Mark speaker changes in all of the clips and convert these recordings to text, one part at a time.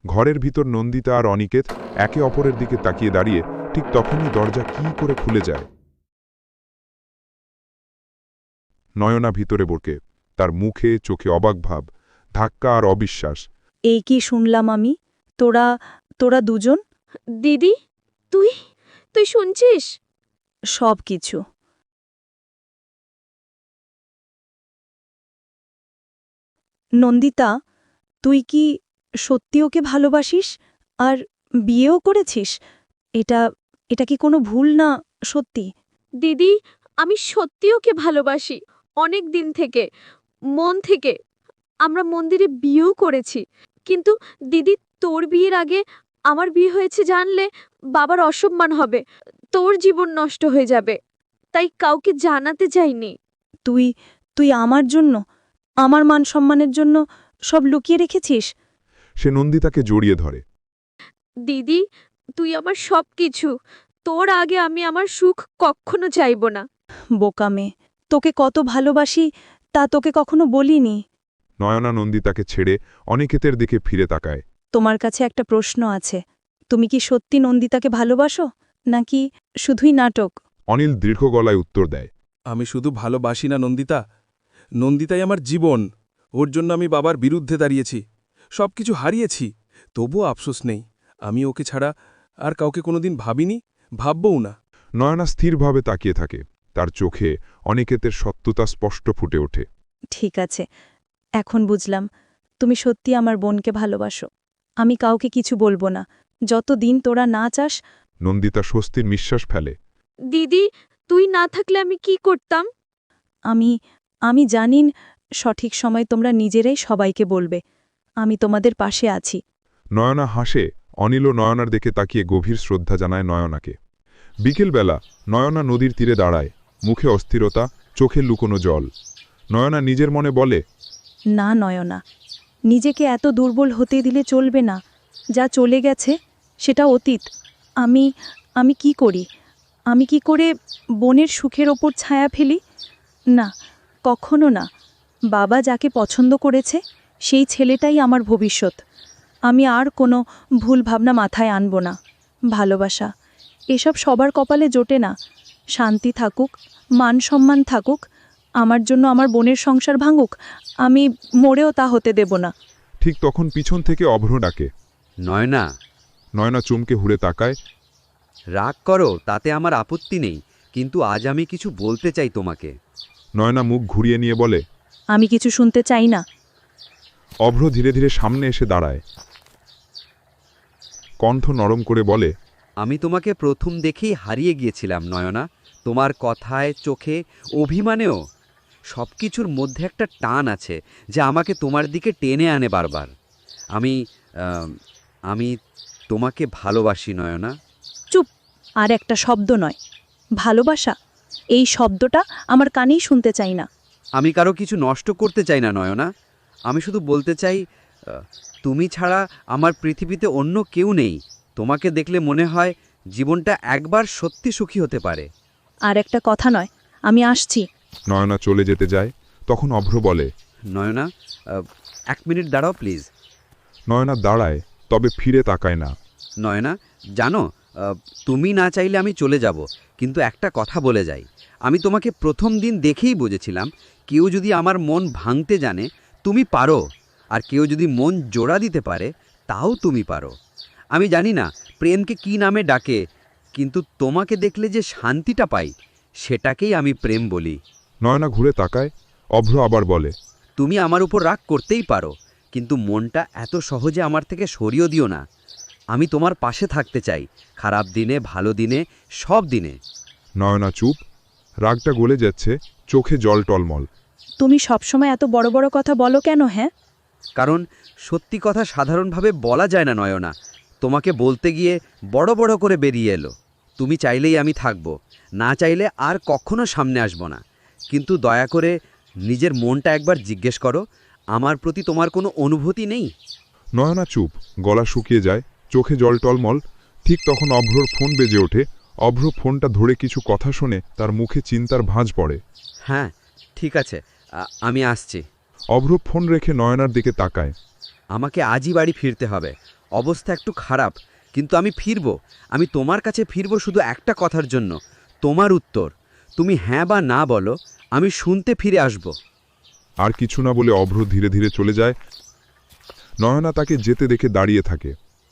Speaker 1: ঘরের ভিতর নন্দিতা আর অনিকেত একে অপরের দিকে তাকিয়ে দাঁড়িয়ে ঠিক তখনই দরজা কী করে খুলে যায়। নয়না ভিতরে বরকে, তার মুখে চোখে অবাক ভাব, ধাক্কা আর অবিশ্বাস।
Speaker 2: এই কি শুনলাম আমি? তোরা তোরা দুজন?
Speaker 3: দিদি, তুই তুই শুনছিস?
Speaker 2: সব কিছু। নন্দিতা, তুই কি সত্যি ওকে ভালোবাসিস আর বিয়েও করেছিস? এটা এটা কি কোনো ভুল না? সত্যি?
Speaker 3: দিদি, আমি সত্যি ওকে ভালোবাসি, অনেক দিন থেকে, মন থেকে। আমরা মন্দিরে বিয়েও করেছি। কিন্তু দিদি, তোর বিয়ের আগে আমার বিয়ে হয়েছে জানলে বাবার অসম্মান হবে, তোর জীবন নষ্ট হয়ে যাবে। তাই কাউকে জানাতে চাইনি।
Speaker 2: তুই তুই আমার জন্য, আমার মান সম্মানের জন্য সব লুকিয়ে রেখেছিস?
Speaker 1: সে নন্দিতাকে জড়িয়ে ধরে।
Speaker 3: দিদি, তুই আমার সব কিছু। তোর আগে আমি আমার সুখ কখনো চাইব না।
Speaker 2: বোকা মেয়ে, তোকে কত ভালোবাসি তা তোকে কখনো বলিনি।
Speaker 1: নয়না নন্দিতাকে ছেড়ে অনিকেতের দিকে ফিরে তাকায়।
Speaker 2: তোমার কাছে একটা প্রশ্ন আছে। তুমি কি সত্যি নন্দিতাকে ভালোবাসো, নাকি শুধুই নাটক?
Speaker 1: অনিল দীর্ঘ গলায় উত্তর দেয়।
Speaker 4: আমি শুধু ভালোবাসি না নন্দিতা, নন্দিতাই আমার জীবন। ওর জন্য আমি বাবার বিরুদ্ধে দাঁড়িয়েছি, সবকিছু হারিয়েছি, তবুও আফসোস নেই। আমি ওকে ছাড়া আর কাউকে কোনোদিন ভাবিনি, ভাববও না।
Speaker 1: নয়না স্থিরভাবে তাকিয়ে থাকে, তার চোখে অনিকেতের সত্যতা স্পষ্ট ফুটে ওঠে।
Speaker 2: ঠিক আছে, এখন বুঝলাম তুমি সত্যি আমার বোনকে ভালোবাসো। আমি কাউকে কিছু বলবো না, যতদিন তোরা না চাস।
Speaker 1: নন্দিতা স্বস্তির নিঃশ্বাস ফেলে।
Speaker 3: দিদি, তুই না থাকলে আমি কি করতাম?
Speaker 2: আমি আমি জানি সঠিক সময় তোমরা নিজেরাই সবাইকে বলবে। আমি তোমাদের পাশে আছি।
Speaker 1: নয়না হাসে। অনিল ও নয়নার দিকে তাকিয়ে গভীর শ্রদ্ধা জানায় নয়নাকে। বিকেলবেলা নয়না নদীর তীরে দাঁড়ায়, মুখে অস্থিরতা, চোখে লুকোনো জল। নয়না নিজের মনে বলে,
Speaker 2: না নয়না, নিজেকে এত দুর্বল হতে দিলে চলবে না। যা চলে গেছে সেটা অতীত। আমি আমি কি করি? আমি কি করে বোনের সুখের ওপর ছায়া ফেলি? না, কখনো না। বাবা যাকে পছন্দ করেছে সেই ছেলেটাই আমার ভবিষ্যৎ। আমি আর কোনো ভুল ভাবনা মাথায় আনব না। ভালোবাসা এসব সবার কপালে জোটে না। শান্তি থাকুক, মান সম্মান থাকুক, আমার জন্য আমার বোনের সংসার ভাঙুক, আমি মরেও তা হতে দেব না।
Speaker 1: ঠিক তখন পিছন থেকে অভ্র ডাকে।
Speaker 5: নয়না,
Speaker 1: নয়না চমকে হুড়ে তাকায়।
Speaker 5: রাগ করো, তাতে আমার আপত্তি নেই, কিন্তু আজ আমি কিছু বলতে চাই তোমাকে।
Speaker 1: নয়না মুখ ঘুরিয়ে নিয়ে বলে।
Speaker 2: আমি কিছু শুনতে চাই না।
Speaker 1: অভ্র ধীরে ধীরে সামনে এসে দাঁড়ায়, কণ্ঠ নরম করে বলে।
Speaker 5: আমি তোমাকে প্রথম দেখেই হারিয়ে গিয়েছিলাম নয়না, তোমার কথায়, চোখে, অভিমানেও। সব কিছুর মধ্যে একটা টান আছে যা আমাকে তোমার দিকে টেনে আনে বারবার। আমি আমি তোমাকে ভালোবাসি নয়না।
Speaker 2: চুপ! আর একটা শব্দ নয়। ভালোবাসা এই শব্দটা আমার কানেই শুনতে চাই না।
Speaker 5: আমি কারো কিছু নষ্ট করতে চাই না নয়না, আমি শুধু বলতে চাই, তুমি ছাড়া আমার পৃথিবীতে অন্য কেউ নেই। তোমাকে দেখলে মনে হয় জীবনটা একবার সত্যি সুখী হতে পারে।
Speaker 2: আর একটা কথা নয়, আমি আসছি।
Speaker 1: নয়না চলে যেতে যায়, তখন অভ্র বলে।
Speaker 5: নয়না, 1 মিনিট দাঁড়াও প্লিজ।
Speaker 1: নয়না দাঁড়ায়, তবে ফিরে তাকায় না।
Speaker 5: নয়না, জানো, তুমি না চাইলে আমি চলে যাব, কিন্তু একটা কথা বলে যাই। আমি তোমাকে প্রথম দিন দেখেই বুঝেছিলাম, কেউ যদি আমার মন ভাঙতে জানে তুমি পারো, আর কেউ যদি মন জোড়া দিতে পারে তাও তুমি পারো। আমি জানি না প্রেমকে কি নামে ডাকে, কিন্তু তোমাকে দেখলে যে শান্তিটা পাই সেটাকেই আমি প্রেম বলি।
Speaker 1: নয়না ঘুরে তাকায়, অভ্র আবার বলে।
Speaker 5: তুমি আমার উপর রাগ করতেই পারো, কিন্তু মনটা এত সহজে আমার থেকে সরিয়ে দিও না। আমি তোমার পাশে থাকতে চাই, খারাপ দিনে, ভালো দিনে, সব দিনে।
Speaker 1: নয়না চুপ, রাগটা গলে যাচ্ছে, চোখে জল টলমল।
Speaker 2: তুমি সবসময় এত বড় বড় কথা বলো কেন? হ্যাঁ,
Speaker 5: কারণ সত্যি কথা সাধারণভাবে বলা যায় না নয়না। তোমাকে বলতে গিয়ে বড় বড় করে বেরিয়ে এলো। তুমি চাইলেই আমি থাকব, না চাইলে আর কখনো সামনে আসব না। কিন্তু দয়া করে নিজের মনটা একবার জিজ্ঞেস করো, আমার প্রতি তোমার কোনো অনুভূতি নেই?
Speaker 1: নয়না চুপ, গলা শুকিয়ে যায়, চোখে জল টলমল। ঠিক তখন অভ্রর ফোন বেজে ওঠে। অভ্র ফোনটা ধরে কিছু কথা শুনে তার মুখে চিন্তার ভাঁজ পড়ে।
Speaker 5: হ্যাঁ, ঠিক আছে, আমি আসছি।
Speaker 1: অভ্র ফোন রেখে নয়নার দিকে তাকায়।
Speaker 5: আমাকে আজই বাড়ি ফিরতে হবে, অবস্থা একটু খারাপ, কিন্তু আমি ফিরব। আমি তোমার কাছে ফিরব শুধু একটা কথার জন্য, তোমার উত্তর। তুমি হ্যাঁ বা না বলো, আমি শুনতে ফিরে আসব।
Speaker 1: আর কিছু না বলে অভ্র ধীরে ধীরে চলে যায়। নয়না তাকে যেতে দেখে দাঁড়িয়ে থাকে।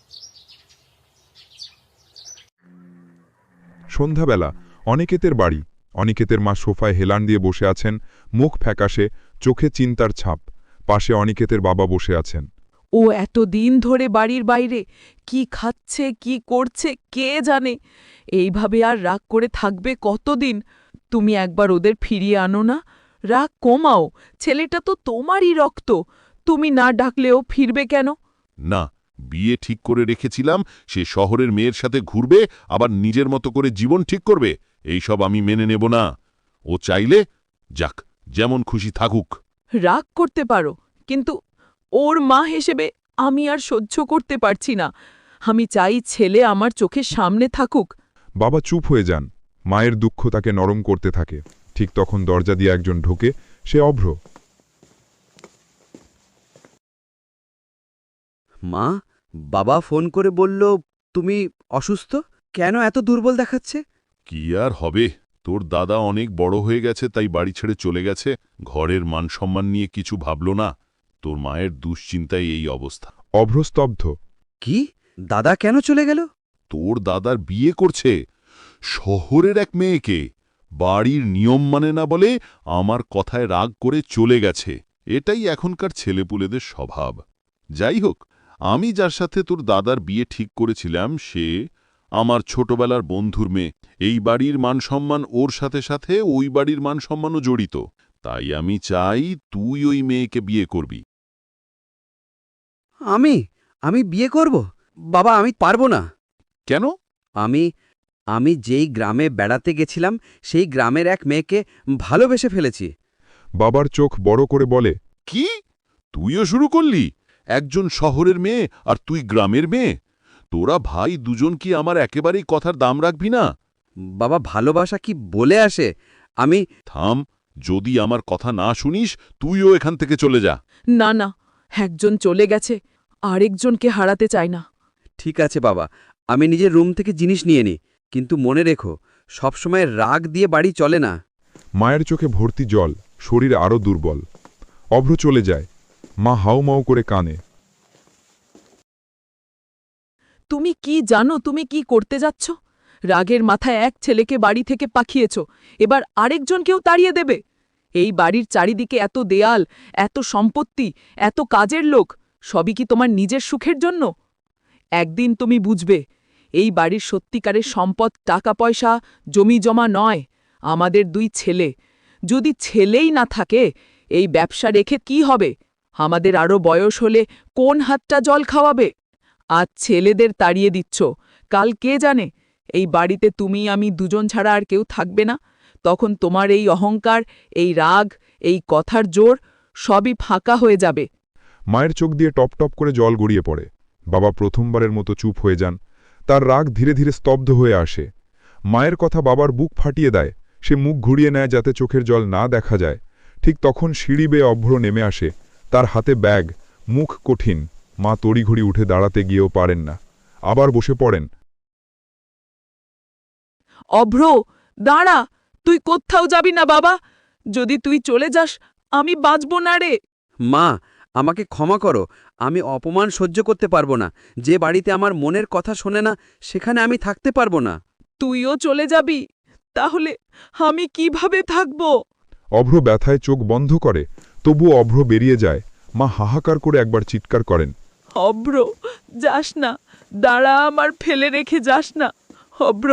Speaker 1: সন্ধ্যাবেলা অনিকেতের বাড়ি। অনিকেতের মা সোফায় হেলান দিয়ে বসে আছেন, মুখ ফ্যাকাশে, চোখে চিন্তার ছাপ। পাশে অনিকেতের বাবা বসে আছেন।
Speaker 6: ও এত দিন ধরে বাড়ির বাইরে কি খাচ্ছে কি করছে কে জানে। এইভাবে আর রাগ করে থাকবে কতদিন? তুমি একবার ওদের ফিরিয়ে আনো না, রাগ কমাও। ছেলেটা তো তোমারই রক্ত, তুমি না ডাকলেও ফিরবে কেন?
Speaker 7: না, বিয়ে ঠিক করে রেখেছিলাম, সে শহরের মেয়ের সাথে ঘুরবে, আবার নিজের মতো করে জীবন ঠিক করবে। এইসব আমি মেনে নেব না। ও চাইলে যাক, যেমন খুশি থাকুক।
Speaker 6: রাগ করতে পারো, কিন্তু ওর মা হিসেবে আমি আর সহ্য করতে পারছি না। আমি চাই ছেলে আমার চোখের সামনে থাকুক।
Speaker 1: বাবা চুপ হয়ে যান। মায়ের দুঃখ তাকে নরম করতে থাকে। ঠিক তখন দরজা দিয়ে একজন ঢোকে। সে অভ্র।
Speaker 5: মা, বাবা ফোন করে বলল তুমি অসুস্থ। কেন এত দুর্বল দেখাচ্ছে?
Speaker 7: কি আর হবে, তোর দাদা অনেক বড় হয়ে গেছে, তাই বাড়ি ছেড়ে চলে গেছে। ঘরের মান সম্মান নিয়ে কিছু ভাবল না। তোর মায়ের দুশ্চিন্তায় এই অবস্থা।
Speaker 1: অভ্র স্তব্ধ।
Speaker 5: কি? দাদা কেন চলে গেল?
Speaker 7: তোর দাদার বিয়ে করছে শহরের এক মেয়েকে। বাড়ির নিয়ম মানে না বলে আমার কথায় রাগ করে চলে গেছে। এটাই এখনকার ছেলেপুলেদের স্বভাব। যাই হোক, আমি যার সাথে তোর দাদার বিয়ে ঠিক করেছিলাম সে আমার ছোটবেলার বন্ধুর মেয়ে। এই বাড়ির মানসম্মান ওর সাথে সাথে ওই বাড়ির মানসম্মানও জড়িত। তাই আমি চাই তুই ওই মেয়েকে বিয়ে করবি।
Speaker 5: আমি বিয়ে করব? বাবা, আমি পারবো না।
Speaker 7: কেন?
Speaker 5: আমি যেই গ্রামে বেড়াতে গেছিলাম সেই গ্রামের এক মেয়েকে ভালোবেসে ফেলেছি।
Speaker 1: বাবার চোখ বড় করে বলে,
Speaker 7: কি? তুইও শুরু করলি? একজন শহরের মেয়ে আর তুই গ্রামের মেয়ে? তোরা ভাই দুজন কি আমার একেবারেই কথার দাম রাখবি না?
Speaker 5: বাবা, ভালোবাসা কি বলে আসে? আমি
Speaker 7: থাম, যদি আমার কথা না শুনিস তুইও এখান থেকে চলে যা।
Speaker 6: না না, একজন চলে গেছে, আরেকজনকে হারাতে চাই না।
Speaker 5: ঠিক আছে বাবা, আমি নিজের রুম থেকে জিনিস নিয়ে নিই, কিন্তু মনে রেখো সবসময় রাগ দিয়ে বাড়ি চলে না।
Speaker 1: মায়ের চোখে ভর্তি জল, শরীর আরও দুর্বল। অভ্র চলে যায়। মা হাউমাউ করে কানে।
Speaker 6: তুমি কি জানো তুমি কি করতে যাচ্ছ? রাগের মাথায় এক ছেলেকে বাড়ি থেকে পাঠিয়েছ, এবার আরেকজনকেও তাড়িয়ে দেবে। এই বাড়ির চারিদিকে এত দেয়াল, এত সম্পত্তি, এত কাজের লোক, সবই কি তোমার নিজের সুখের জন্য? একদিন তুমি বুঝবে, এই বাড়ির সত্যিকারের সম্পদ টাকা পয়সা জমি জমা নয়, আমাদের দুই ছেলে। যদি ছেলেই না থাকে, এই ব্যবসা রেখে কি হবে? আমাদের আরও বয়স হলে কোন হাতটা জল খাওয়াবে? আজ ছেলেদের তাড়িয়ে দিচ্ছ, কাল কে জানে এই বাড়িতে তুমি আমি দুজন ছাড়া আর কেউ থাকবে না। তখন তোমার এই অহংকার, এই রাগ, এই কথার জোর সবই ফাঁকা হয়ে যাবে।
Speaker 1: মায়ের চোখ দিয়ে টপ টপ করে জল গড়িয়ে পড়ে। বাবা প্রথমবারের মতো চুপ হয়ে যান। তার রাগ ধীরে ধীরে স্তব্ধ হয়ে আসে। মায়ের কথা বাবার বুক ফাটিয়ে দেয়। সে মুখ ঘুরিয়ে নেয় যাতে চোখের জল না দেখা যায়। ঠিক তখন সিঁড়ি বেয়ে অভ্র নেমে আসে। তার হাতে ব্যাগ, মুখ কঠিন। মা তড়িঘড়ি উঠে দাঁড়াতে গিয়েও পারেন না, আবার বসে পড়েন।
Speaker 6: অভ্র, দাঁড়া, তুই কোত্থাও যাবি না বাবা। যদি তুই চলে যাস, আমি বাঁচব না রে।
Speaker 5: মা, আমাকে ক্ষমা করো, আমি অপমান সহ্য করতে পারবো না। যে বাড়িতে আমার মনের কথা শোনে না, সেখানে আমি থাকতে পারবো না।
Speaker 6: তুইও চলে যাবি, তাহলে আমি কিভাবে থাকব?
Speaker 1: অভ্র ব্যথায় চোখ বন্ধ করে, তবুও অভ্র বেরিয়ে যায়। মা হাহাকার করে একবার চিৎকার করেন,
Speaker 6: অভ্র, যাস না, দাঁড়া, আমার ফেলে রেখে যাস না অভ্র।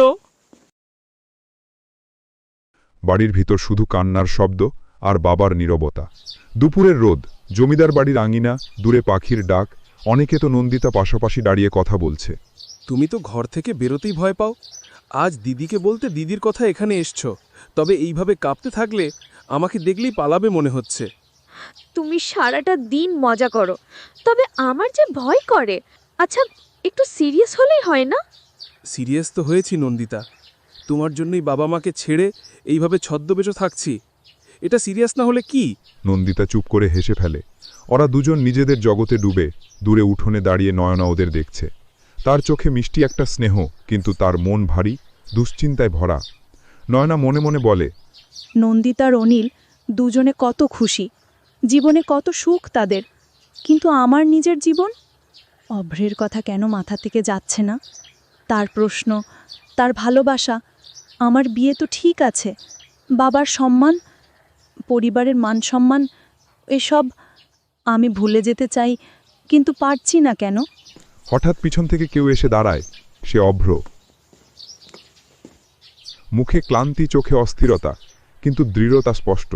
Speaker 1: বাড়ির ভিতর শুধু কান্নার শব্দ আর বাবার নীরবতা। দুপুরের রোদ, জমিদার বাড়ির আঙিনা, দূরে পাখির ডাক। অনেকে তো নন্দিতা পাশাপাশি দাঁড়িয়ে কথা বলছে।
Speaker 4: তুমি তো ঘর থেকে বেরোতেই ভয় পাও। আজ দিদিকে বলতে দিদির কথা এখানে এসছ, তবে এইভাবে কাঁপতে থাকলে আমাকে দেখলেই পালাবে মনে হচ্ছে।
Speaker 3: তুমি সারাটা দিন মজা করো, তবে আমার যে ভয় করে। আচ্ছা, একটু সিরিয়াস হলেই হয় না?
Speaker 4: সিরিয়াস তো হয়েছি নন্দিতা, তোমার জন্যই বাবা মাকে ছেড়ে এইভাবে ছদ্মবেশ থাকছি। এটা সিরিয়াস না হলে কি?
Speaker 1: নন্দিতা চুপ করে হেসে ফেলে। ওরা দুজন নিজেদের জগতে ডুবে দূরে উঠোনে দাঁড়িয়ে নয়না ওদের দেখছে। তার চোখে মিষ্টি একটা স্নেহ, কিন্তু তার মন ভারী, দুশ্চিন্তায় ভরা। নয়না মনে মনে বলে,
Speaker 2: নন্দিতার অনিল দুজনে কত খুশি, জীবনে কত সুখ তাদের, কিন্তু আমার নিজের জীবন? অভ্রের কথা কেন মাথা থেকে যাচ্ছে না? তার প্রশ্ন, তার ভালোবাসা, আমার বিয়ে তো ঠিক আছে, বাবার সম্মান, পরিবারের মান সম্মান, এসব আমি ভুলে যেতে চাই, কিন্তু পারছি না কেন?
Speaker 1: হঠাৎ পিছন থেকে কেউ এসে দাঁড়ায়। সে অভ্র। মুখে ক্লান্তি, চোখে অস্থিরতা, কিন্তু দৃঢ়তা স্পষ্ট।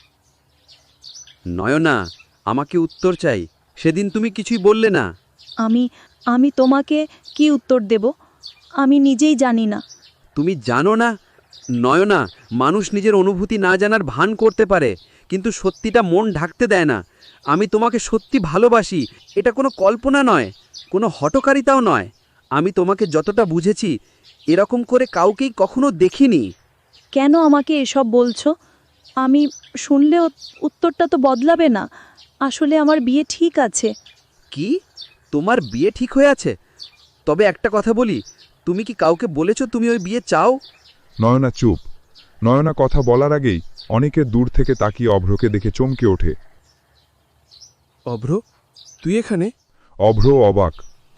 Speaker 5: নয়না, আমাকে উত্তর চাই। সেদিন তুমি কিছুই বললে না।
Speaker 2: আমি তোমাকে কি উত্তর দেব? আমি নিজেই জানি না।
Speaker 5: তুমি জানো না? নয়না, মানুষ নিজের অনুভূতি না জানার ভান করতে পারে, কিন্তু সত্যিটা মন ঢাকতে দেয় না। আমি তোমাকে সত্যি ভালোবাসি, এটা কোনো কল্পনা নয়, কোনো হঠকারিতাও নয়। আমি তোমাকে যতটা বুঝেছি, এরকম করে কাউকেই কখনো দেখিনি।
Speaker 2: কেন আমাকে এসব বলছো? আমি শুনলেও উত্তরটা তো বদলাবে না। আসলে আমার বিয়ে ঠিক আছে।
Speaker 5: কি? তোমার বিয়ে ঠিক হয়ে আছে? তবে একটা কথা বলি, তুমি কি কাউকে বলেছো তুমি ওই বিয়ে চাও?
Speaker 1: নয়না চুপ। নয়না কথা বলার আগেই অনেকে দূর থেকে তাকিয়ে অভ্রকে দেখে চমকে ওঠে।
Speaker 4: অভ্র, তুই এখানে?
Speaker 1: অভ্র অবাক।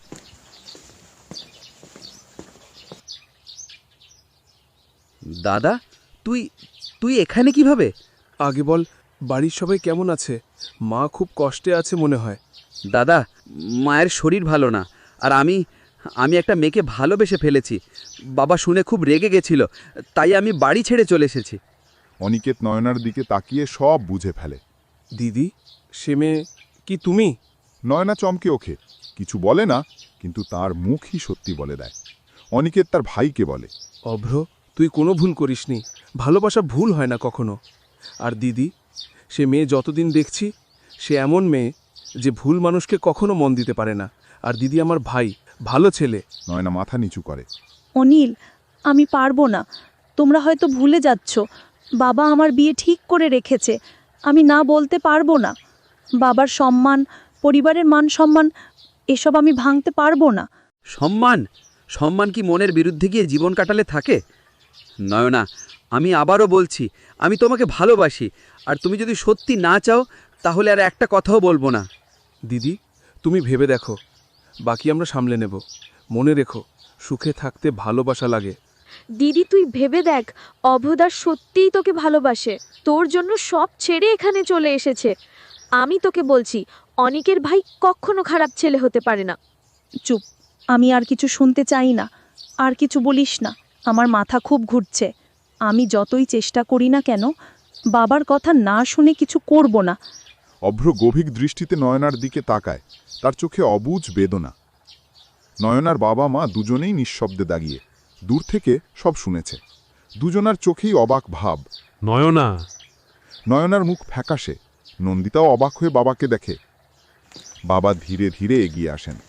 Speaker 5: দাদা, তুই তুই এখানে কিভাবে?
Speaker 4: আগে বল, বাড়ির সবাই কেমন আছে? মা খুব কষ্টে আছে মনে হয়।
Speaker 5: দাদা, মায়ের শরীর ভালো না, আর আমি একটা মেয়েকে ভালোবেসে ফেলেছি। বাবা শুনে খুব রেগে গেছিল, তাই আমি বাড়ি ছেড়ে চলে এসেছি।
Speaker 7: অনিকেত নয়নার দিকে তাকিয়ে সব বুঝে ফেলে।
Speaker 4: দিদি, সে মেয়ে কি তুমি?
Speaker 7: নয়না চমকে ওঠে, কিছু বলে না, কিন্তু তার মুখই সত্যি বলে দেয়। অনিকেত তার ভাইকে বলে,
Speaker 4: অভ্র, তুই কোনো ভুল করিসনি। ভালোবাসা ভুল হয় না কখনো। আর দিদি, সে মেয়ে যতদিন দেখছি, সে এমন মেয়ে যে ভুল মানুষকে কখনো মন দিতে পারে না। আর দিদি আমার ভাই, ভালো ছেলে।
Speaker 7: নয়না মাথা নিচু করে।
Speaker 2: অনিল, আমি পারবো না। তোমরা হয়তো ভুলে যাচ্ছ, বাবা আমার বিয়ে ঠিক করে রেখেছে। আমি না বলতে পারবো না। বাবার সম্মান, পরিবারের মান সম্মান, এসব আমি ভাঙতে পারবো না।
Speaker 5: সম্মান? সম্মান কি মনের বিরুদ্ধে গিয়ে জীবন কাটালে থাকে? নয়না, আমি আবারও বলছি, আমি তোমাকে ভালোবাসি, আর তুমি যদি সত্যি না চাও, তাহলে আর একটা কথাও বলবো না।
Speaker 4: দিদি, তুমি ভেবে দেখো, বাকি আমরা সামলে নেব। মনে রেখো, সুখে থাকতে ভালোবাসা লাগে।
Speaker 3: দিদি, তুই ভেবে দেখ, অভদার সত্যিই তোকে ভালোবাসে, তোর জন্য সব ছেড়ে এখানে চলে এসেছে। আমি তোকে বলছি, অনিকের ভাই কখনো খারাপ ছেলে হতে পারে না।
Speaker 2: চুপ, আমি আর কিছু শুনতে চাই না। আর কিছু বলিস না, আমার মাথা খুব ঘুরছে। আমি যতই চেষ্টা করি না কেন, বাবার কথা না শুনে কিছু করব না।
Speaker 7: অভ্র গভীর দৃষ্টিতে নয়নার দিকে তাকায়, তার চোখে অবুঝ বেদনা। নয়নার বাবা মা দুজনেই নিঃশব্দে দাঁড়িয়ে দূর থেকে সব শুনেছে। দুজনার চোখেই অবাক ভাব।
Speaker 8: নয়না,
Speaker 7: নয়নার মুখ ফ্যাকাশে। নন্দিতাও অবাক হয়ে বাবাকে দেখে। বাবা ধীরে ধীরে এগিয়ে আসেন।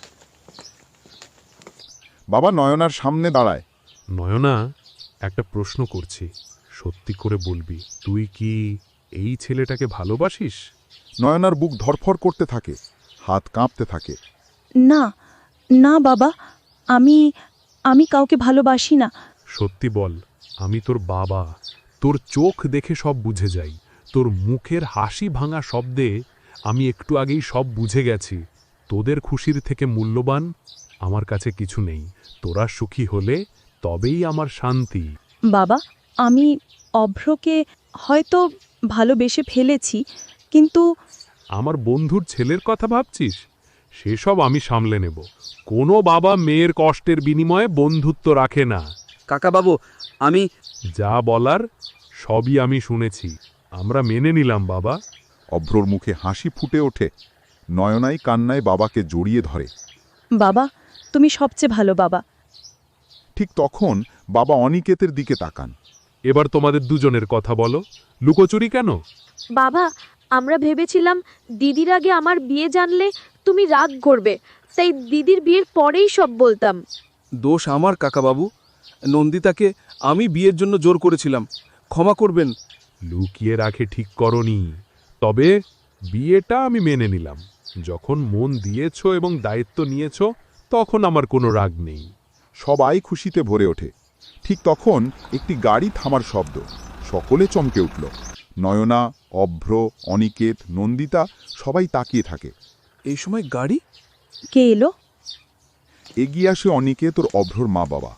Speaker 7: বাবা নয়নার সামনে দাঁড়ায়।
Speaker 8: নয়না, একটা প্রশ্ন করছি, সত্যি করে বলবি, তুই কি এই ছেলেটাকে ভালোবাসিস?
Speaker 7: নয়নার বুক ধরফর করতে থাকে, হাত কাঁপতে থাকে।
Speaker 2: না, না বাবা, আমি কাউকে ভালোবাসি না।
Speaker 8: সত্যি বল, আমি তোর বাবা, তোর চোখ দেখে সব বুঝে যাই। তোর মুখের হাসি ভাঙা শব্দে আমি একটু আগেই সব বুঝে গেছি। তোদের খুশির থেকে মূল্যবান আমার কাছে কিছু নেই। তোরা সুখী হলে তবেই আমার শান্তি।
Speaker 2: বাবা, আমি অভ্রকে হয়তো ভালোবেসে ফেলেছি, কিন্তু
Speaker 8: আমার বন্ধুর ছেলের কথা ভাবছিস? সেসব আমি সামলে নেব। কোনো বাবা মেয়ের কষ্টের বিনিময়ে বন্ধুত্ব রাখে না।
Speaker 5: কাকাবাবু, আমি
Speaker 8: যা বলার সবই আমি শুনেছি। আমরা মেনে নিলাম বাবা।
Speaker 7: অভ্রর মুখে হাসি ফুটে ওঠে। নয়নাই কান্নায় বাবাকে জড়িয়ে ধরে।
Speaker 2: বাবা, তুমি সবচেয়ে ভালো বাবা।
Speaker 7: ঠিক তখন বাবা অনিকেতের দিকে তাকান।
Speaker 8: এবার তোমাদের দুজনের কথা বলো, লুকোচুরি কেন?
Speaker 3: বাবা, আমরা ভেবেছিলাম দিদির আগে আমার বিয়ে জানলে তুমি রাগ করবে, তাই দিদির বিয়ের পরেই সব বলতাম।
Speaker 4: দোষ আমার কাকাবাবু। নন্দিতাকে আমি বিয়ের জন্য জোর করেছিলাম, ক্ষমা করবেন।
Speaker 8: লুকিয়ে রাখে ঠিক করনি, তবে বিয়েটা আমি মেনে নিলাম। যখন মন দিয়েছ এবং দায়িত্ব নিয়েছ, তখন আমার কোনো রাগ নেই।
Speaker 1: সবাই খুশিতে ভরে ওঠে। ঠিক তখন একটি গাড়ি থামার শব্দ। সকলে চমকে উঠল। নয়না, অভ্র, অনিকেত, নন্দিতা সবাই তাকিয়ে থাকে।
Speaker 4: এই সময় গাড়ি?
Speaker 2: কে এলো?
Speaker 1: এগিয়ে আসে অনিকেত ওর অভ্রর মা বাবা।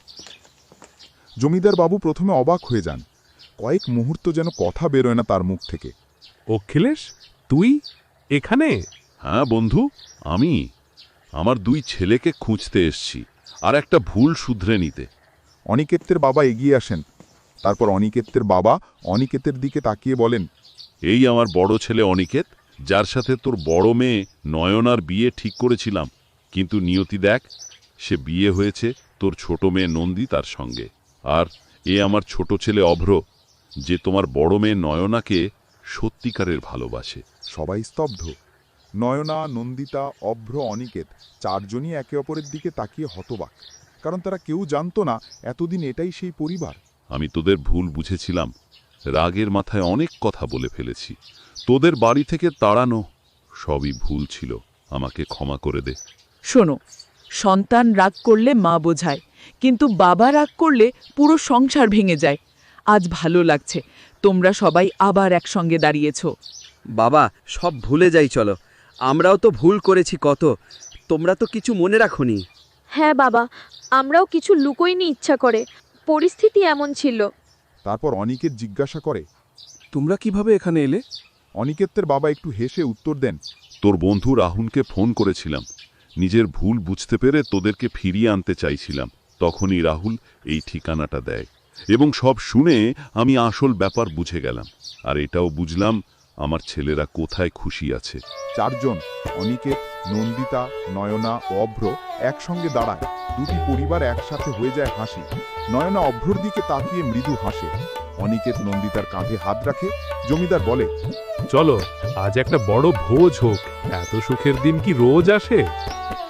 Speaker 1: জমিদার বাবু প্রথমে অবাক হয়ে যান। কয়েক মুহূর্ত যেন কথা বেরোয় না তার মুখ থেকে।
Speaker 8: অখিলেশ, তুই এখানে?
Speaker 7: হ্যাঁ বন্ধু, আমি আমার 2 ছেলেকে খুঁজতে এসছি আর একটা ভুল শুধরে নিতে।
Speaker 1: অনিকেতের বাবা এগিয়ে আসেন। তারপর অনিকেতের বাবা অনিকেতের দিকে তাকিয়ে বলেন,
Speaker 7: এই আমার বড় ছেলে অনিকেত, যার সাথে তোর বড় মেয়ে নয়নার বিয়ে ঠিক করেছিলাম, কিন্তু নিয়তি দেখ, সে বিয়ে হয়েছে তোর ছোট মেয়ে নন্দিতার সঙ্গে। আর এ আমার ছোট ছেলে অভ্র, যে তোমার বড় মেয়ে নয়নাকে সত্যিকারের ভালোবাসে।
Speaker 1: সবাই স্তব্ধ। নয়না, নন্দিতা, অভ্র, অনিকেত 4 জনই একে অপরের দিকে তাকিয়ে হতবাক। কারণ তারা কেউ জানতো না এতদিন এটাই সেই পরিবার।
Speaker 7: আমি তোদের ভুল বুঝেছিলাম, রাগের মাথায় অনেক কথা বলে ফেলেছি। তোদের বাড়ি থেকে তাড়ানো সবই ভুল ছিল, আমাকে ক্ষমা করে দে।
Speaker 6: শোনো, সন্তান রাগ করলে মা বোঝায়, কিন্তু বাবা রাগ করলে পুরো সংসার ভেঙে যায়। আজ ভালো লাগছে, তোমরা সবাই আবার একসঙ্গে দাঁড়িয়েছ।
Speaker 5: বাবা, সব ভুলে যাই চলো। আমরাও তো ভুল করেছি কত, তোমরা তো কিছু মনে রাখোনি।
Speaker 3: হ্যাঁ বাবা, আমরাও কিছু লুকোইনি ইচ্ছা করে, পরিস্থিতি এমন ছিল।
Speaker 1: তারপর অনিকেত জিজ্ঞাসা করে,
Speaker 4: তোমরা কিভাবে এখানে এলে?
Speaker 1: অনিকেতের বাবা একটু হেসে উত্তর দেন,
Speaker 7: তোর বন্ধু রাহুলকে ফোন করেছিলাম, নিজের ভুল বুঝতে পেরে তোদেরকে ফিরিয়ে আনতে চাইছিলাম। তখনই রাহুল এই ঠিকানাটা দেয় এবং সব শুনে আমি আসল ব্যাপার বুঝে গেলাম। আর এটাও বুঝলাম আমার ছেলেরা কোথায় খুশি আছে।
Speaker 1: 4 জন অনিকেত, নন্দিতা, নয়না ও অভ্র একসঙ্গে দাঁড়ায়। 2টি পরিবার একসাথে হয়ে যায় হাসি। নয়না অভ্রর দিকে তাকিয়ে মৃদু হাসে। অনিকেত নন্দিতার কাঁধে হাত রাখে। জমিদার বলে,
Speaker 8: চলো, আজ একটা বড় ভোজ হোক। এত সুখের দিন কি রোজ আসে?